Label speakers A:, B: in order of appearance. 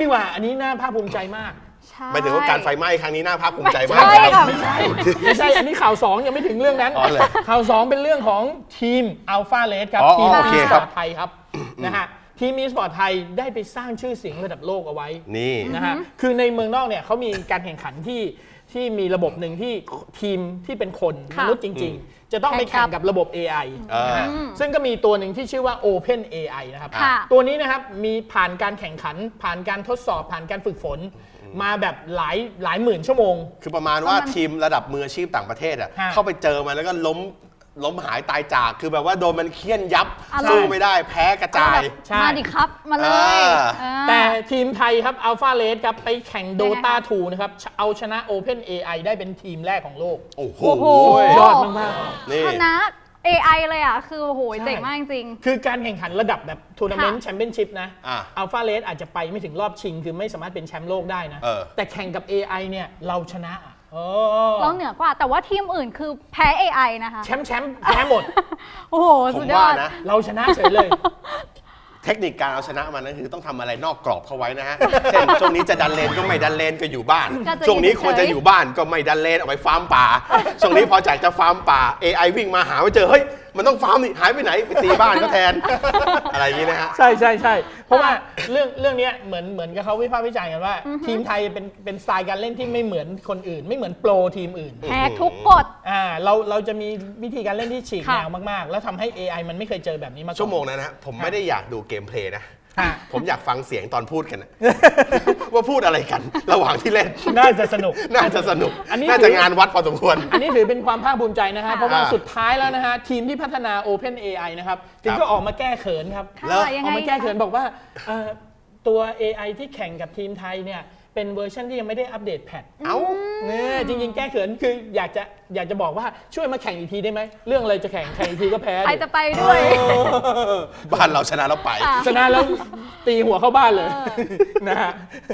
A: ดีกว่าอันนี้น่าภาคภูมิใจมาก
B: หมายถึงว่าการไฟไหม้ครั้งนี้น่าภาคภูมิใจมาก
A: ไม่ใช่อันนี้ข่าว2ยังไม่ถึงเรื่องนั้นข่าว2เป็นเรื่องของทีม Alpha Red ครับทีมอีสปอร์ตไทยครับนะฮะทีมอีสปอร์ตไทยได้ไปสร้างชื่อเสียงระดับโลกเอาไว้นี่นะฮะคือในเมืองนอกเนี่ยเขามีการแข่งขันที่มีระบบหนึ่งที่ทีมที่เป็นคนมนุษย์จริงๆจะต้องไปแข่งกับระบบ AI นะฮะซึ่งก็มีตัวหนึ่งที่ชื่อว่า Open AI นะครับตัวนี้นะครับมีผ่านการแข่งขันผ่านการทดสอบผ่านการฝึกฝนมาแบบหลายหมื่นชั่วโมง
B: คือประมาณว่าทีมระดับมืออาชีพต่างประเทศอ่ะเข้าไปเจอมาแล้วก็ล้มหายตายจากคือแบบว่าโดนมันเคี่ยนยับสู้ไม่ได้แพ้กระจาย
C: มาดิครับมาเลย
A: แต่ทีมไทยครับ Alpha Red ครับไปแข่ง Dota 2 นะครับเอาชนะ Open AI ได้เป็นทีมแรกของโลก
B: โอ้โห
A: ยอดมาก
C: ๆชนะ AI เลยอ่ะคือโอ้โหเจ๋งมากจริง
A: คือการแข่งขันระดับแบบทัวร์นาเมนต์แชมเปี้ยนชิพนะ Alpha Red อาจจะไปไม่ถึงรอบชิงคือไม่สามารถเป็นแชมป์โลกได้นะแต่แข่งกับ AI เนี่ยเราชนะ
C: เราเหนือกว่าแต่ว่าทีมอื่นคือแพ้ AI นะคะ
A: แชมป์แพ้หมด
C: โอ้โหสุดยอด
B: นะ
A: เราชนะเฉยเลย
B: เทคนิคการเอาชนะมันนั่นคือต้องทำอะไรนอกกรอบเข้าไว้นะฮะเช่นช่วงนี้จะดันเลนก็ไม่ดันเลนก็อยู่บ้านช่วงนี้ควรจะอยู่บ้านก็ไม่ดันเลนเอาไปฟาร์มป่าช่วงนี้พอจากจะฟาร์มป่า AI วิ่งมาหาไปเจอเฮ้ยมันต้องฟาร์มนี่หายไปไหนไปตีบ้านก็แทนอะไรอย่างนี้นะฮะ
A: ใช่เพราะว่าเรื่องนี้เหมือนกับเขาวิพากษ์วิจารณ์กันว่าทีมไทยเป็นสไตล์การเล่นที่ไม่เหมือนคนอื่นไม่เหมือนโปรทีมอื่น
C: แพ้ทุกกฎ
A: เราจะมีวิธีการเล่นที่ฉีกแนวมากๆแล้วทำให้ AI มันไม่เคยเจอแบบนี้มาก่อน
B: ชั่วโมงนั้นนะผมไม่ได้อยากดูเกมเพลย์นะผมอยากฟังเสียงตอนพูดกันว่าพูดอะไรกันระหว่างที่เล่น
A: น่าจะสนุก
B: น่าจะงานวัดพอสมควร
A: อันนี้ถือเป็นความภาคภูมิใจนะฮะเพราะว่าสุดท้ายแล้วนะฮะทีมที่พัฒนา Open AI นะครับจึงก็ออกมาแก้เขินครับออกมาแก้เขินบอกว่าตัว AI ที่แข่งกับทีมไทยเนี่ยเป็นเวอร์ชันที่ยังไม่ได้อัปเดตแพทเนี่ยจริงๆแก้เขินคืออยากจะบอกว่าช่วยมาแข่งอีกทีได้ไหมเรื่องอะไรจะแข่งอีกทีก็แพ้
C: ใครจะไปด้วย
B: บ้านเราชนะแล้วไป
A: ชนะแล้วตีหัวเข้าบ้านเลยนะฮะ